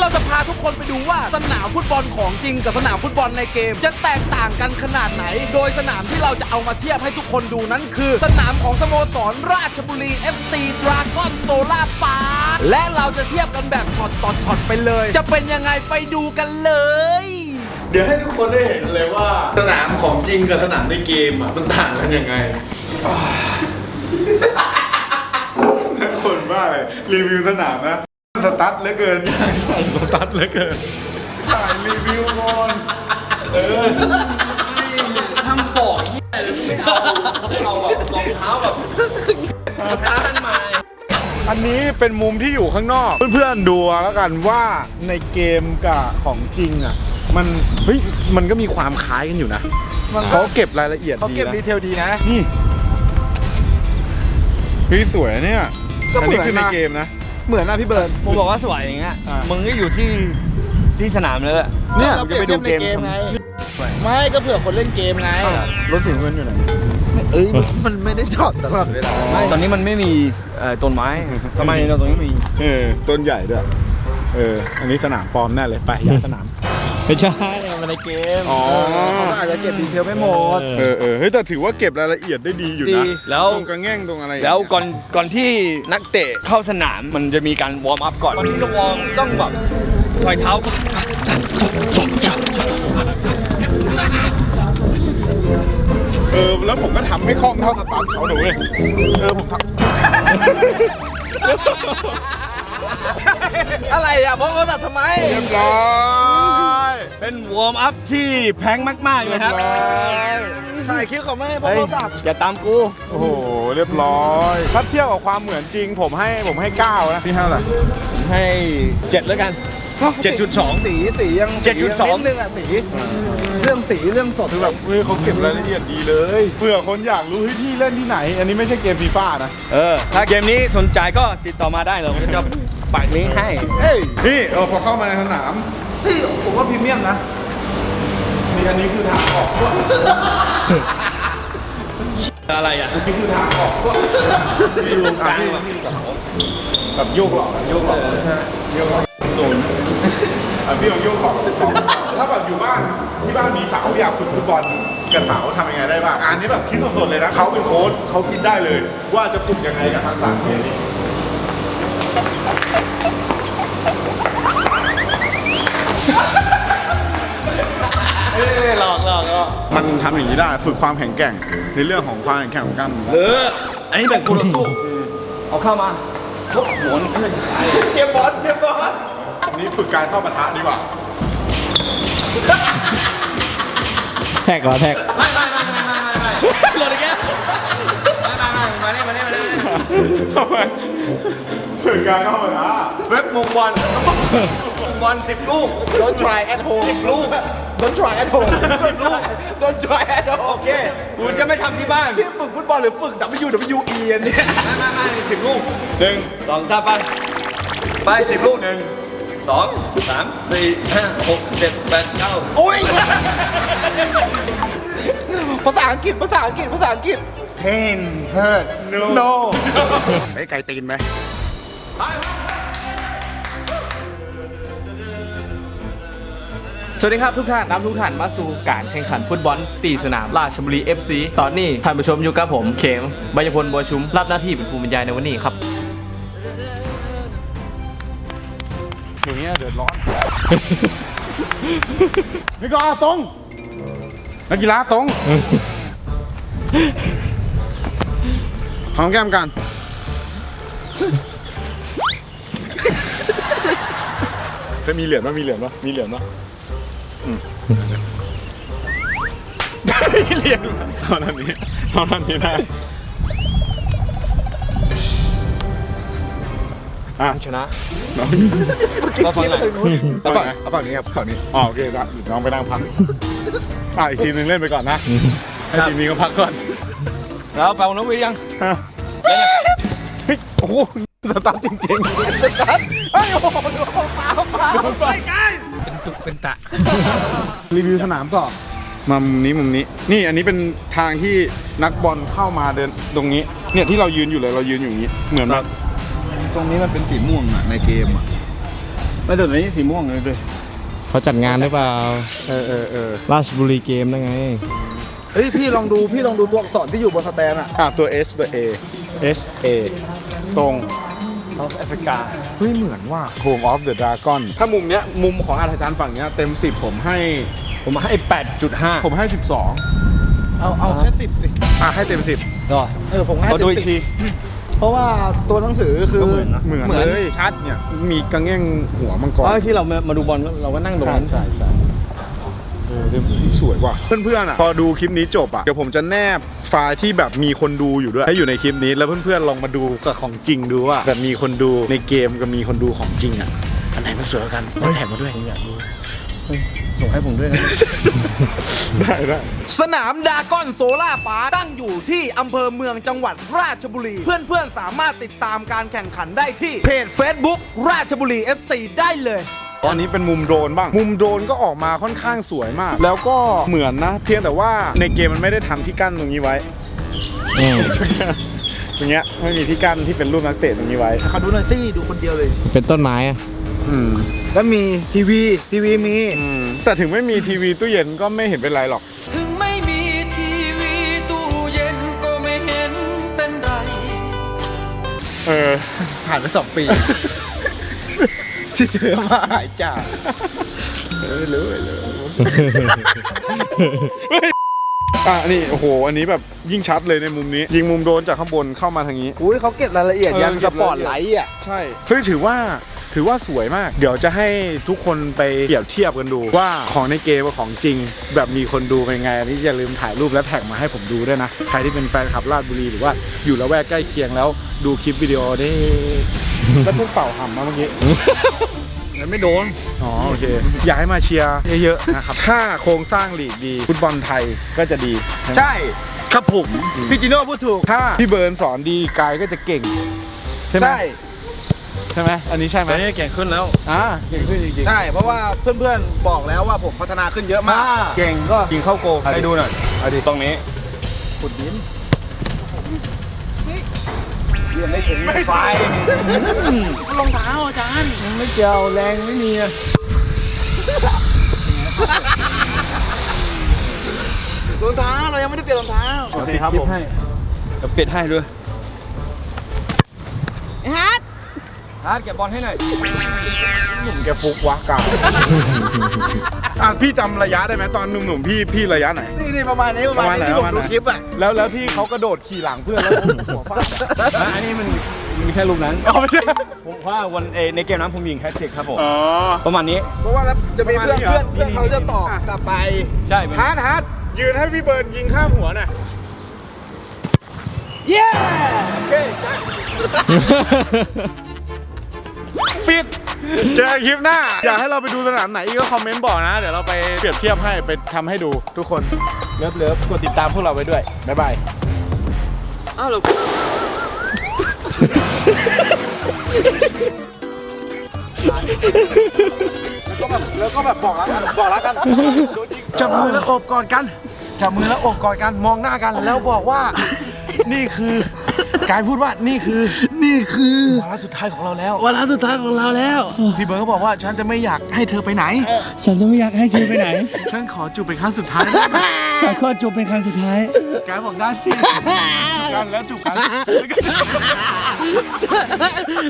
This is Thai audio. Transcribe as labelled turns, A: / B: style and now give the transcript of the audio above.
A: เราจะพาทุกคนไปดูว่าสนามฟุตบอลของจริงกับสนามฟุตบอลในเกมจะแตกต่างกันขนาดไหนโดยสนามที่เราจะเอามาเทียบให้ทุกคนดูนั้นคือสนามของสโมสรราชบุรี FC Dragon Solar Park และเราจะเทียบกันแบบช็อตต่อช็อตไปเลยจะเป็นยังไงไปดูกันเลย
B: เดี๋ยวให้ทุกคนได้เห็นเลยว่าสนามของจริงกับสนามในเกมอ่ะมันต่างกันยังไงคนบ้าเลยรีวิวสนามนะสตั๊ดเหลือเกินอยากใส่สตั๊ดเหลือเกินถ่ายรีวิวก่อน
C: ทำปอกที่อะไรไม่เอาแบบรองเท้าแบบท่านมา
B: อันนี้เป็นมุมที่อยู่ข้างนอกเพื่อนๆดูแล้วกันว่าในเกมกับของจริงอ่ะมันก็มีความคล้ายกันอยู่นะเขาเก็บรายละเอียดเขาเก็บดีเทลดีนะนี่สวยเนี่ยอันนี้คือในเกมนะ
C: เหมือนนะพี่เบิร์ดผมบอกว่าสวยอย่างเงี้ยมึงก็อยู่ที่สนามเลย
A: เนี่ยเราไปดูเกมไงไม่ก็เผื่อคนเล่นเกมไง
B: รถถึงเงินอยู่ไหน
A: มันไม่ได้จอดตลอดเวลา
C: ตอนนี้มันไม่มีต้นไม้ทำไมเราตรงนี้มี
B: ต้นใหญ่ด้วยอันนี้สนามปลอมแน่เลยไปย้ายสนาม
C: ไม่ใช่มันในเกม
A: เขาอาจจะเก็บดีเทลไม่หมด
B: เฮ้ยแต่ถือว่าเก็บรายละเอียดได้ดีอยู่นะ
C: แล้ว
B: ตรงกระแง่งตรงอะไร
C: แล้วก่อนที่นักเตะเข้าสนามมันจะมีการวอร์มอัพก่อนที่จะวอร์มต้องแบบถอยเท้า
B: แล้วผมก็ทำไม่คล่องเท่าสตาร์ทเขาหนูเลยผมทำ
A: อะไรอ่ะพวกเราตัดทำไม
B: เรียบร้อย
C: เป็นวอร์มอัพที่แพงมากๆเลยครับ
A: ถ่ายคลิปเขาไม่ให้พวกเราตัด
C: อย่าตามกู
B: โอ้โหเรียบร้อยถ้าเทียบกับความเหมือนจริงผมให้9นะพี่ให้เท่าไหร่
C: ให้7แล้วกัน7.2
A: สียัง
C: 7.2
A: นึงอ่ะสีเรื่องสด
B: คือแบบเขาเก็บรายละเอียดดีเลยเพื่อคนอยากรู้ที่เล่นที่ไหนอันนี้ไม่ใช่เกมฟีฟ่านะ
C: ถ้าเกมนี้สนใจก็ติดต่อมาได้เราจะปักลิงก์ให้
B: นี่พอเข้ามาในสนาม
A: ผมว่าพรีเมียมนะ
B: นี่อันนี้คือทางออก
C: อะไรอ่ะ
B: นี่คือทางออกมีลงกลางแบบโยกหลอกโยกหลอกโดนพี่ลองโยกหลอกถ้าแบบอยู่บ้านที่บ้านมีเสาอยากฝึกฟุตบอลกับเสาทำยังไงได้บ้างอันนี้แบบคิดสดๆเลยนะเขาเป็นโค้ชเขาคิดได้เลยว่าจะฝึกยังไงกับทักษะนี้
C: หลอก
B: มันทำอย่างนี้ได้ฝึกความแข็งแกร่งในเรื่องของความแข็งแกร่งของกล้ามเ
C: นื้ออันนี้แบบคู่ต่อสู้เอาเข้ามาทุบหัว
A: เทียบบอล
B: นี่ฝึกการเข้าปะทะดีกว่า
C: แท็กเหรอแท็กไม่หลุดอีกแล้วมาเนี่ย
B: ฝึกการเข้าปะทะ
C: เว็บมงบอล10 ลูก
A: Don't try at home
C: 10 ลูก
A: Don't try at home
C: 10 ลูก
A: Don't try at home
C: โอเคกูจะไม่ทำที่บ้าน
A: พี่ฝึกฟุตบอลหรือฝึก WWE อันนี้
C: ไม่10 ลูก1 2 3ไป10 ลูก1 2 3 4 5 6 7 8 9
A: โอ้ยภาษาอังกฤษ
C: Pain hurt
A: no
B: ไก่ตีนไหม
A: สวัสดีครับทุกท่านมาสู่การแข่งขันฟุตบอลตีสนามราชบุรี FC ตอนนี้ท่านผู้ชมอยู่กับผมเข็มบัญพลบัวชุมรับหน้าที่เป็นผู้บรรยายในวันนี้ครับ
B: อย่างเงี้ยเดือดร้อนนี่ก็ตรงนักกีฬาตรงหอมแก้มกันจะมีเหรียญปะมีเหรียญปะเหรียญเท่านั้นนี้ได้
C: ชนะ
A: ก็ฝั่งไหนเอาฝั่งนี้ครับฝั่งนี้
B: โอเคครับน้องไปนั่งพักอีกทีนึงเล่นไปก่อนนะให้ทีมนี้ก็พักก่อน
C: แล้วเป่าน้องวิยัง
B: โอ้โหสตาร์ทจริงๆสตาร์ทโอ้โหไปไกล
A: เป็นตุกเป็นตะ
B: รีวิวสนามต่อมามุมนี้นี่อันนี้เป็นทางที่นักบอลเข้ามาเดินตรงนี้เนี่ยที่เรายืนอยู่เลยเรายืนอยู่อย่างนี้เหมือนแบบ
A: ตรงนี้มันเป็นสีม่วงอ่ะในเกมอ่ะ
C: ไม่แต่นี้สีม่วงเลย
D: เขาจัดงานหรือเปล่า ราชบุรีเกมได้ไง
A: เฮ้ยพี่ลองดูตัวอักษรที่อยู่บนสแตนอะ
B: ตัว S ตัว A
D: S A
B: ตรง
C: South Africa
B: เฮ้ยเหมือนว่า Home of the Dragon ถ้ามุมเนี้ยมุมของอาจารย์ฝั่งเนี้ยเต็ม 10 ผมให้
C: ให้ 8.5
B: ผมให้ 12
A: เอาแค่10สิ
B: ให้เต็ม 10
C: ก็
A: ผมให้
C: ขอดูอีกที
A: เพราะว่าตัวหนังสือคือ
C: ก็เหมือนนะ
B: เหมือนเลยชัดเนี่ยมีกระเง่งหัวมังกร
C: ที่เรามาดูบอลเราก็นั่งตรงนั้น
B: ใช่สวยว่ะเพื่อนๆอ่ะพอดูคลิปนี้จบอ่ะเดี๋ยวผมจะแนบไฟล์ที่แบบมีคนดูอยู่ด้วยให้อยู่ในคลิปนี้แล้วเพื่อนๆลองมาดูกับของจริงดูว่าแบบมีคนดูในเกมกับมีคนดูของจริงอ่ะอันไหนมันสวยกว่ากันแล้วแถมมาด้วย
C: ผมอยากดูส่งให้ผมด้วยนะ
B: ได้
A: สนามดากอนโซล่าปาร์คตั้งอยู่ที่อำเภอเมืองจังหวัดราชบุรี เพื่อนๆสามารถติดตามการแข่งขันได้ที่เพจ Facebook ราชบุรี FC ได้เลย
B: ตอนนี้เป็นมุมโดรนบ้างมุมโดรนก็ออกมาค่อนข้างสวยมาก แล้วก็เหมือนนะเพียงแต่ว่าในเกมมันไม่ได้ทำที่กั้นตรงนี้ไว้ ตรงเนี้ยไม่มีที่กั้นที่เป็นรูปนักเตะตรงนี้ไว้
A: เขาดูหน่อยสิดูคนเดียวเลย
D: เป็นต้นไม้อะ
A: แล้วมีทีวีมี
B: แต่ถึงไม่มีทีวีตู้เย็นก็ไม่เห็นเป็นไรหรอก
E: ถึงไม่มีทีวีตู้เย็นก็ไม่เห็นเป็นไร
A: ผ่านไป2 ปี ที่เจอมาหายจาก
B: นี่โอ้โหอันนี้แบบยิ่งชัดเลยในมุมนี้ ยิงมุมโดนจากข้างบนเข้ามาทางนี้
A: อุ้ยเขาเก็บรายละเอียดยัน
B: เก็
A: ส
B: บรายละเอียด
A: ปอร์ตไลท์อ่ะ
B: ใช่เฮ้ยถือว่าสวยมาก เดี๋ยวจะให้ทุกคนไปเปรียบเทียบกันดูว่าของในเกมกับของจริง แบบมีคนดูเป็นไงอันนี้อย่าลืมถ่ายรูปและแท็กมาให้ผมดูด้วยนะใครที่เป็นแฟนคลับราชบุรีหรือว่าอยู่ละแวกใกล้เคียงแล้วดูคลิปวิดีโอได้แล้วเพิ่งเป่าห่ำมาเมื่อกี้
C: มันไม่โดน
B: อ๋อโอเค อยากให้มาเชียร์เยอะๆนะครับ ถ้าโครงสร้างลีกดี ฟุตบอลไทยก็จะดี
A: ใช่
B: ครับผม
A: พี่จิโน่พูดถูก
B: ถ้าพี่เบิร์นสอนดีกายก็จะเก่ง ใช่ไหมใช่ไหมอันนี้ใช่ไหม
C: ตอนนี้เก่งขึ้นแล้ว
B: เก่งขึ้นจริง
A: ใช่เพราะว่าเพื่อนๆบอกแล้วว่าผมพัฒนาขึ้นเยอะมาก
C: เก่งก็ยิงเข้าโกให้ดูหน่อยเอาดิตรงนี้
A: ขุดดิน
C: ยังไม่ถึงไฟรองเท้าอาจารย์ยังไม่เกี่ยวแรงไม่มีอะ
A: รองเท้าเรายังไม่ได้เปลี่ยนรองเท้า
C: โอเคครับผมเดี๋ยวปิดให้ด้วย
F: ฮัท
C: ฮาร์ดเก็บบอลให้หน่อย
B: ๆหนุ่มแกฟุกวะกายพี่จำระยะได้ไหมตอนหนุ่มๆพี่ระยะไหน
A: นี่ประมาณนี้ประมาณนี้ที่ผมดูคลิปอ่ะ
B: แล้วที่เขากระโดดขี่หลังเพื่อนแล้วหัวฟาด
C: อันนี้มันไม่ใช่รูปนั้น
B: ไม่ใช่
C: ผมว่าวันในเกมนั้นผมยิงแฮตทริกครับผม
B: อ๋อ
C: ประมาณนี้
A: เพราะว่าแล้วจะมีเพื่อน
B: ประมาณนี้เหรอ
A: เขาจะตอบกลับไป
C: ใช่เป็น
B: ฮาร์ดยืนให้พี่เบิร์นยิงข้ามหัวหน่อย
C: เย้โอเค
B: ปิดเจอคลิปหน้า อยากให้เราไปดูสนามไหนอีกก็คอมเมนต์บอกนะ เดี๋ยวเราไปเปรียบเทียบให้ไปทำให้ดูทุกคนเลิฟกดติดตามพวกเราไว้ด้วย บ๊ายบาย
E: อ้าวเหรอ
A: แล้วก็แบบบอกแล้วกันจับมือแล้วโอบกอดกันจับมือแล้วโอบกอดกันมองหน้ากันแล้วบอกว่า นี่คือกายพูดว่านี่คือวาระสุดท้ายของเราแล้ว
D: วาระสุดท้ายของเราแล้ว
A: พี่เบิร์ดก็บอกว่าฉันจะไม่อยากให้เธอไปไหน
D: ฉันจะไม่อยากให้เธอไปไหน
A: ฉันขอจูบเป็นครั้งสุดท้ายได้ไหม
D: ฉันก็จบเป็นครั้งสุดท้าย
A: กายบอกได้สิจูบกันแล้วจูบกัน